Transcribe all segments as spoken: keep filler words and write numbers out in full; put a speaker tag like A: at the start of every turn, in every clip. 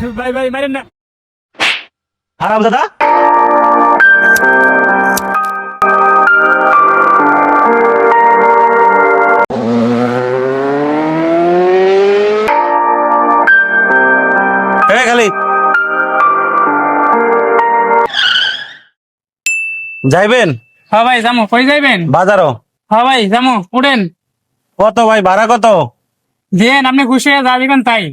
A: ভাই ভাই মারেন না।
B: হারাম দাদা খালি যাইবেন?
A: হ্যাঁ ভাই যামো। কই যাইবেন?
B: বাজারও।
A: হ্যাঁ ভাই যামো, উঠেন।
B: কত ভাই ভাড়া কত?
A: দেন, আপনি খুশি হয়ে যা দিবেন তাই।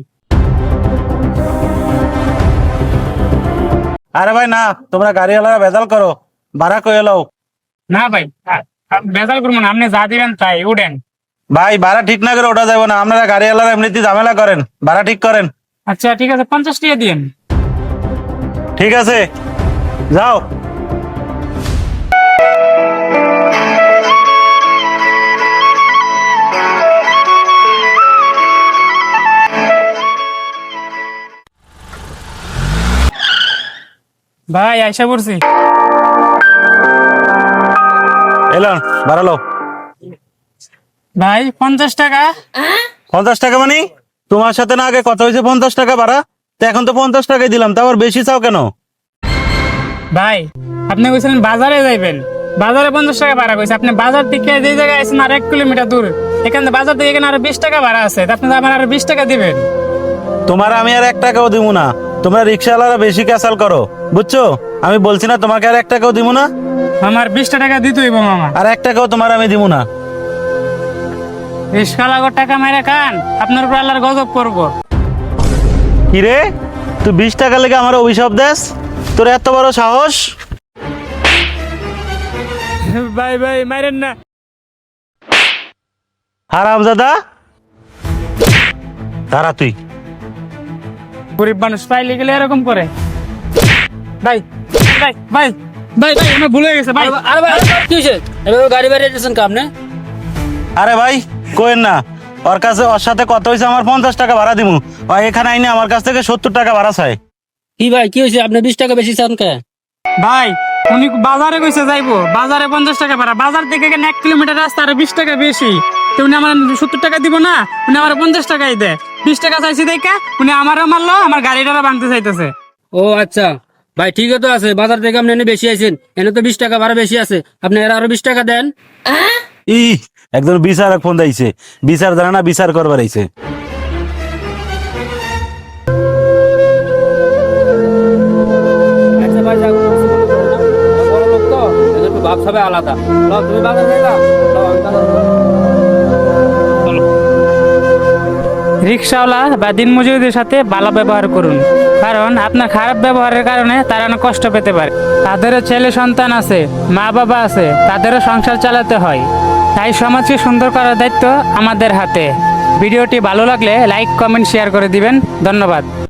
B: আরে ভাই না, তোমরা গাড়িওয়ালারা বেজাল করো, ভাড়া কয়ে লও।
A: না ভাই, আ- আ- বেজাল করবো না, আপনি যা দিবেন তাই, উঠেন।
B: ভাই ভাড়া ঠিক না করে ওঠা যাবে না, আপনারা গাড়িওয়ালারা এমনিতে ঝামেলা করেন, ভাড়া ঠিক করেন।
A: আচ্ছা ঠিক আছে, পঞ্চাশ টাকা দিন।
B: ঠিক আছে যাও।
A: ভাই আইসা পড়ছি।
B: এলাম বাড়ালো।
A: ভাই পঞ্চাশ টাকা।
B: পঞ্চাশ টাকা মানে? তোমার সাথে না আগে কথা হয়েছে পঞ্চাশ টাকা ভাড়া, তো এখন তো পঞ্চাশ টাকাই দিলাম, তা আবার বেশি চাও কেন?
A: ভাই আপনি কইছিলেন বাজারে যাইবেন, বাজারে পঞ্চাশ টাকা ভাড়া কইছে। আপনি বাজার থেকে যে জায়গায় আছেন আর এক কিলোমিটার দূর, এখানে বাজার থেকে এখানে আরো বিশ টাকা ভাড়া আছে, তা আপনি আমার আরো বিশ টাকা দিবেন।
B: তোমার আমি আর এক টাকাও দিব না, তোমরা রিক্সাওয়ালারা বেশি ক্যাসাল করো, বুঝছো? আমি বলছি না তোমাকে আর এক টাকাও দিব না।
A: আমার বিশ টাকা দিতে হইব মামা।
B: আর এক টাকাও তোমার আমি দিব না।
A: রিক্সা লাগো টাকা মেরে খান, আপনার উপর আল্লাহর গজব করবো।
B: কিরে তুই বিশ টাকা লেগে আমার অভিশাপ দেস? তোর এত বড় সাহস?
A: ভাই ভাই মারেন না।
B: হারাম দাদা দাঁড়া তুই।
A: গরিব মানুষ পাইলে গেলে এরকম করে। ভাই ভাই ভাই ভাই ভাই আমার ভুলে গেছে ভাই।
C: আরে ভাই কি হয়েছে? এভাবে গাড়ি বেরিয়ে দিয়েছেন কা আপনি?
B: আরে ভাই কোয়েন না, ওর কাছে ওর সাথে কত হয়েছে আমার পঞ্চাশ টাকা ভাড়া দিমু, ও এখানে আইনে আমার কাছ থেকে সত্তর টাকা ভাড়া চাই।
C: কি ভাই কি হয়েছে? আপনি বিশ টাকা বেশি চান কে?
A: ভাই উনি বাজারে কইছে যাইবো, বাজারে পঞ্চাশ টাকা ভাড়া, বাজার থেকে এখানে এক কিলোমিটার রাস্তা আর বিশ টাকা বেশি, তো উনি আমার সত্তর টাকা দিব না, উনি আমার পঞ্চাশ টাকাই দেয়। বিশ টাকা চাইছি দেখা উনি আমারও মারলো, আমার গাড়িটা ভাঙতে চাইতেছে।
C: ও আচ্ছা ভাই ঠিক তো আছে, বাজার থেকে আপনি এনে বেশি আছেন, এনে তো বিশ টাকা ভাড়া বেশি আছে, আপনি এর আরো বিশ টাকা দেন।
B: ই একদম বিচার ফোন দিয়েছে, বিচার জানা না বিচার করবার আইছে।
C: আচ্ছা ভাই যাও, বড় লোক তো এদের একটু ভাব সবাই আলাদা। লও, তুমি বাজার যাইবা? লও, আমি বাজার যাবো।
A: রিক্সাওয়ালা বা দিনমজুরদের সাথে ভালো ব্যবহার করুন, কারণ আপনার খারাপ ব্যবহারের কারণে তারা অনেক কষ্ট পেতে পারে। তাদেরও ছেলে সন্তান আছে, মা বাবা আছে, তাদেরও সংসার চালাতে হয়। তাই সমাজকে সুন্দর করার দায়িত্ব আমাদের হাতে। ভিডিওটি ভালো লাগলে লাইক কমেন্ট শেয়ার করে দিবেন। ধন্যবাদ।